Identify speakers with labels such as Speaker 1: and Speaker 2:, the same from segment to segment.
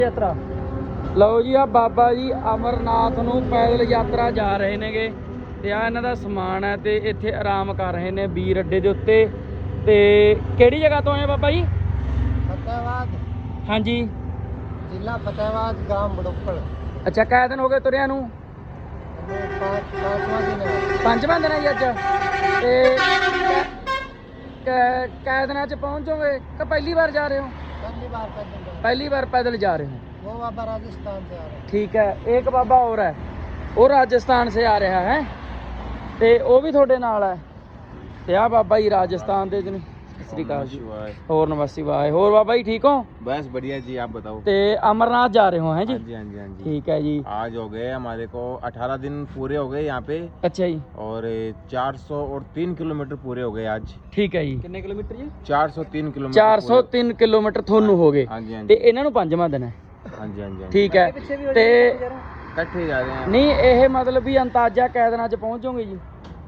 Speaker 1: ਯਾਤਰਾ ਲਓ ਜੀ, ਆ ਬਾਬਾ ਜੀ ਅਮਰਨਾਥ ਨੂੰ ਪੈਦਲ ਯਾਤਰਾ ਜਾ ਰਹੇ ਨੇਗੇ ਤੇ ਆ ਇਹਨਾਂ ਦਾ ਸਮਾਨ ਹੈ ਤੇ ਇੱਥੇ ਆਰਾਮ ਕਰ ਰਹੇ ਨੇ ਵੀਰ ਅੱਡੇ ਦੇ ਉੱਤੇ। ਤੇ ਕਿਹੜੀ ਜਗ੍ਹਾ ਤੋਂ ਆਏ ਬਾਬਾ ਜੀ?
Speaker 2: ਫਤਿਆਬਾਦ।
Speaker 1: ਹਾਂਜੀ,
Speaker 2: ਜ਼ਿਲ੍ਹਾ ਫਤਿਆਬਾਦ, ਗਾਮ ਬੜੋਪੜ।
Speaker 1: ਅੱਛਾ, ਕਿੰਨੇ ਦਿਨ ਹੋ ਗਏ ਤੁਰਿਆਂ ਨੂੰ? ਪੰਜਵਾਂ ਦਿਨ ਹੈ ਜੀ ਅੱਜ। ਤੇ ਕਿੰਨੇ ਦਿਨਾਂ ਚ ਪਹੁੰਚ ਜਾਓਗੇ ਕਿ ਪਹਿਲੀ ਵਾਰ ਜਾ ਰਹੇ ਹੋ? पहली बार पैदल जा रहे हो?
Speaker 2: वो बाबा राजस्थान से आ रहे हैं।
Speaker 1: ठीक है, एक बाबा और है, वो राजस्थान से आ रहा है ते वो भी थोड़े नाल है ते आ बाबा जी राजस्थान दे ने। सत श्री अकाल जी। और नमस्ते भाई। और बाबा जी ठीक हो?
Speaker 3: बस बढ़िया जी, आप बताओ।
Speaker 1: ते अमरनाथ जा रहे हो हैं जी?
Speaker 3: हाँ जी, हाँ जी, हाँ जी।
Speaker 1: ठीक है जी।
Speaker 3: आज हो गए हमारे को 18 दिन पूरे हो गए यहाँ पे।
Speaker 1: अच्छा जी।
Speaker 3: और 403 किलोमीटर पूरे हो गए आज।
Speaker 1: ठीक है जी। कितने किलोमीटर जी?
Speaker 3: 403 किलोमीटर।
Speaker 1: 403 किलोमीटर थोनू हो गए।
Speaker 3: हाँ जी, हाँ
Speaker 1: ते
Speaker 3: जी।
Speaker 1: इन्हां नूं पंजवां दिन है।
Speaker 3: हाँ जी, हाँ जी।
Speaker 1: ठीक है ते
Speaker 3: इकट्ठे जा रहे हैं।
Speaker 1: नहीं, ये मतलब भी अंदाजा कै दिनां च पहुंच जाओगे जी?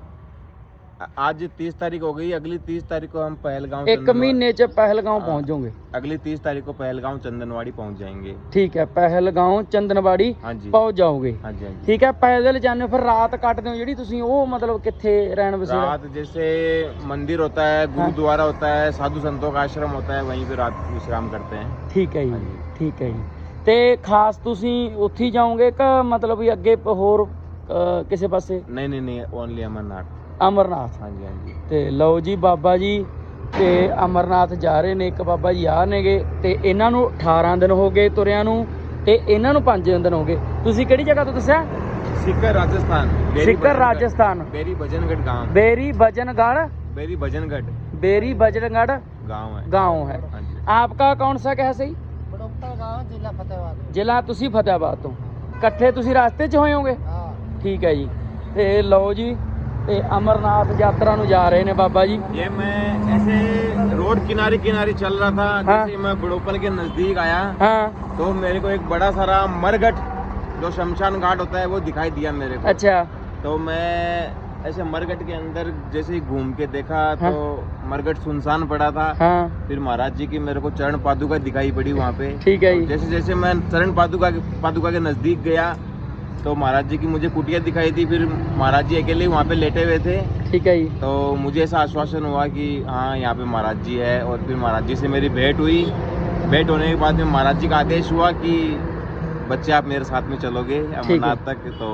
Speaker 3: आज 30 तारीख हो गई, अगली 30 तारीख को हम पहलगांव।
Speaker 1: एक महीने च पहलगांव पहुंच जाओगे?
Speaker 3: अगली 30 तारीख को पहलगांव चंदनवाड़ी पहुंच जाएंगे।
Speaker 1: ठीक है, पहलगांव चंदनवाड़ी पहुंच जाओगे।
Speaker 3: हाँ जी, हाँ जी।
Speaker 1: ठीक है, पैदल जाने फिर रात काटते हो जी तुसी, वो मतलब किथे रहन बसेरा?
Speaker 3: रात जैसे मंदिर होता है, गुरुद्वारा होता है, साधु संतों का आश्रम होता है, वहीं पे रात विश्राम करते हैं।
Speaker 1: ठीक है जी, ठीक है जी। ते खास तुसी उत्थे जाओगे कि मतलब भी अगे होर किसी पासे?
Speaker 3: नहीं नहीं नहीं, ओनली अमरनाथ।
Speaker 1: अमरनाथ।
Speaker 3: हाँ जी, हाँ जी।
Speaker 1: ਤੇ ਲਓ ਜੀ, ਬਾਬਾ ਜੀ ਤੇ ਅਮਰਨਾਥ ਜਾ ਰਹੇ ਨੇ। ਇੱਕ ਬਾਬਾ ਜੀ ਆ ਨੇਗੇ ਤੇ ਇਹਨਾਂ ਨੂੰ 18 ਦਿਨ ਹੋ ਗਏ ਤੁਰਿਆਂ ਨੂੰ ਤੇ ਇਹਨਾਂ ਨੂੰ 5 ਦਿਨ ਹੋ ਗਏ। ਤੁਸੀਂ ਕਿਹੜੀ ਜਗ੍ਹਾ ਤੋਂ ਦੱਸਿਆ?
Speaker 3: सीकर राजस्थान।
Speaker 1: सीकर राजस्थान।
Speaker 3: बेरी भजनगढ़ गांव।
Speaker 1: बेरी भजनगढ़।
Speaker 3: बेरी भजनगढ़।
Speaker 1: बेरी भजनगढ़
Speaker 3: गांव है।
Speaker 1: गाँव है।
Speaker 3: हाँ जी।
Speaker 1: आपका कौन सा क्या है सही?
Speaker 2: बड़ोपड़ गांव, जिला फतेहाबाद।
Speaker 1: ਜ਼ਿਲ੍ਹਾ ਤੁਸੀਂ ਫਤਿਆਬਾਦ ਤੋਂ। ਇਕੱਠੇ ਤੁਸੀਂ ਰਸਤੇ 'ਚ ਹੋਏ ਹੋਗੇ?
Speaker 2: हाँ।
Speaker 1: ਠੀਕ ਹੈ ਜੀ। ਤੇ ਲਓ ਜੀ, ਤੇ ਅਮਰਨਾਥ ਯਾਤਰਾ ਨੂੰ ਜਾ ਰਹੇ ਨੇ ਬਾਬਾ ਜੀ।
Speaker 3: ये मैं ऐसे रोड किनारे किनारे चल रहा था।
Speaker 1: हाँ।
Speaker 3: जैसे मैं बड़ोपल के नजदीक आया
Speaker 1: हाँ।
Speaker 3: तो मेरे को एक बड़ा सारा मरघट, जो शमशान घाट होता है, वो दिखाई दिया मेरे को।
Speaker 1: अच्छा।
Speaker 3: तो मैं ऐसे मरघट के अंदर जैसे ही घूम के देखा
Speaker 1: हाँ।
Speaker 3: तो मरघट सुनसान पड़ा था।
Speaker 1: हाँ।
Speaker 3: फिर महाराज जी की मेरे को चरण पादुका दिखाई पड़ी वहाँ पे।
Speaker 1: ठीक है जी।
Speaker 3: जैसे जैसे मैं चरण पादुका के नजदीक गया तो महाराज जी की मुझे कुटिया दिखाई दी। फिर महाराज जी अकेले वहाँ पे लेटे हुए थे।
Speaker 1: ठीक है जी।
Speaker 3: तो मुझे ऐसा आश्वासन हुआ कि हाँ, यहाँ पे महाराज जी है। और फिर महाराज जी से मेरी भेंट हुई। भेंट होने के बाद में महाराज जी का आदेश हुआ कि बच्चे आप मेरे साथ में चलोगे अमरनाथ तक। तो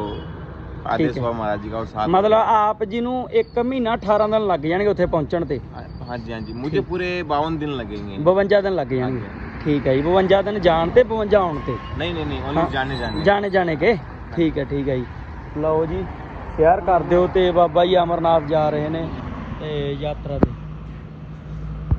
Speaker 3: आदेश हुआ महाराज जी का। और साथ
Speaker 1: मतलब आप जी ਨੂੰ 1 ਮਹੀਨਾ 18 ਦਿਨ ਲੱਗ ਜਾਣਗੇ ਉੱਥੇ ਪਹੁੰਚਣ ਤੇ?
Speaker 3: हाँ जी, हाँ जी। मुझे पूरे 52 दिन लगेंगे।
Speaker 1: 52 ਦਿਨ ਲੱਗ ਜਾਣਗੇ। ਠੀਕ ਹੈ ਜੀ। 52 ਦਿਨ ਜਾਣ ਤੇ 52 ਆਉਣ ਤੇ?
Speaker 3: नहीं नहीं नहीं, ओनली जाने
Speaker 1: ਜਾਣੇ ਕੇ। ਠੀਕ ਹੈ, ਠੀਕ ਹੈ ਜੀ। ਲਓ ਜੀ, ਸ਼ੇਅਰ ਕਰ ਦਿਓ। ਤੇ ਬਾਬਾ ਜੀ ਅਮਰਨਾਥ ਜਾ ਰਹੇ ਨੇ ਤੇ ਯਾਤਰਾ ਤੇ।